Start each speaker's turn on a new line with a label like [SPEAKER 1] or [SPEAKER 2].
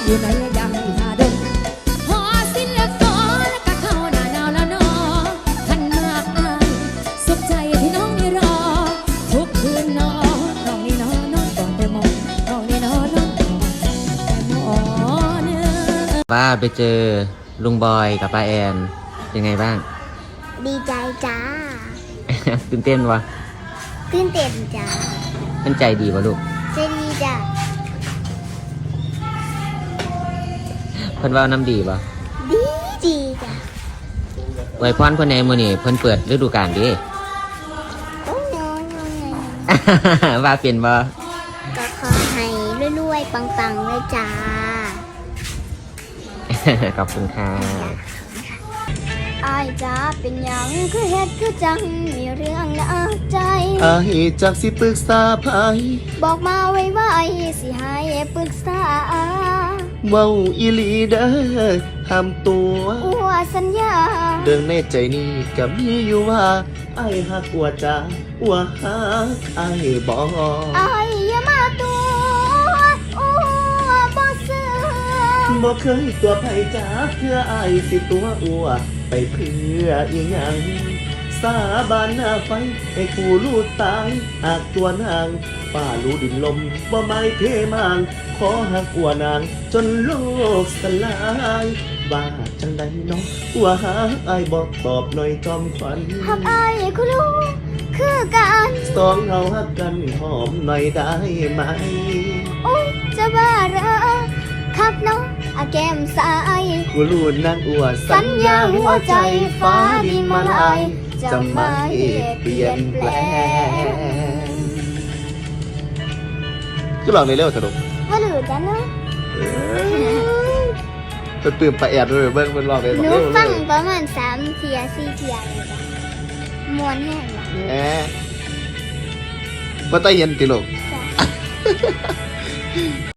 [SPEAKER 1] อยู่ในยังหาดงพอสิ้นเลือกต่อแล้วก็เข้าหน้าหนาวแล้วเนาะขันมากอายสุขใจที่น้องนี่รอทุกคืนนอนน้องนี่นอนน้องก่อนแต่มองน้องนี่นอนน้องก่อนแต่มองเนื้อ
[SPEAKER 2] ว่าไปเจอลุงบอยกับป้าแอนยังไงบ้าง
[SPEAKER 3] ดีใจจ้า
[SPEAKER 2] ตื่นเต้นวะ
[SPEAKER 3] ตื่นเต้นจ้า
[SPEAKER 2] มันใจดีวะลูก
[SPEAKER 3] ใจดีจ้า
[SPEAKER 2] เพิ่นว่าน้ำดีวะ
[SPEAKER 3] ดีดีจ้า
[SPEAKER 2] ไว้พรเพิ่นในมื้อนี้เพิ่นเปิดฤดูกาลเดิ
[SPEAKER 3] โอ้ยน้อยน้อย
[SPEAKER 2] ว่าเป็นบ่
[SPEAKER 3] ก็ขอให้รวยๆปังๆเลยจ้า
[SPEAKER 2] ขอบคุณค่ะ
[SPEAKER 3] อายจ้าเป็นหยังคือเฮ็ดคือจังมีเรื่องน่าใจ
[SPEAKER 4] อายจากสิปรึกษาไผ
[SPEAKER 3] บอกมาไว้สิให้ปรึกษา
[SPEAKER 4] เว้าอีหลีเด้อห้ามตัว
[SPEAKER 3] อัวสัญญา
[SPEAKER 4] เรื่องในใจนี้ก็มีอยู่ว่าอายฮักอัวจ้าอัวฮักอายบ่
[SPEAKER 3] อายอย่ามาตัวอัวบ่เสื่อ
[SPEAKER 4] บ่เคยตัวไผจ้าเพื่ออายสิตัวอัวไปเพื่ออีหยังสาบานหน้าไฟให้ผู้รู้ตายหากตัวนางป่ารู้ดินลมบ่ไม่เพมางขอหักอัวนางจนโลกสลายว่าจังใดน้องอัวหาอายบอกตอบหน่อยจอมขวัญ
[SPEAKER 3] หักอายคุณรู้คือกัน
[SPEAKER 4] สองเฮาหักกันหอมหน่อยได้ไหม
[SPEAKER 3] โอ้ยจะบ้าเหรอครับน้องอาแก้มสาย
[SPEAKER 4] กูรู้นางอัว
[SPEAKER 3] สัญญาหัวใจฟ้าดินมาลายจะไม่เปลี่ยนแปลง
[SPEAKER 4] ก็ลองในเร็วสนุก
[SPEAKER 3] ว่าหรือจะเนาะ
[SPEAKER 4] จะตื่นไปแอบด้วยเบิ้งเป็นรอบเลย
[SPEAKER 3] หนูฟังประมาณ3 เทีย 4 เทียเลยจ้ะมวนแห้งว่ะ
[SPEAKER 4] แหมมาใต้เย็นติลูก
[SPEAKER 3] จ้ะ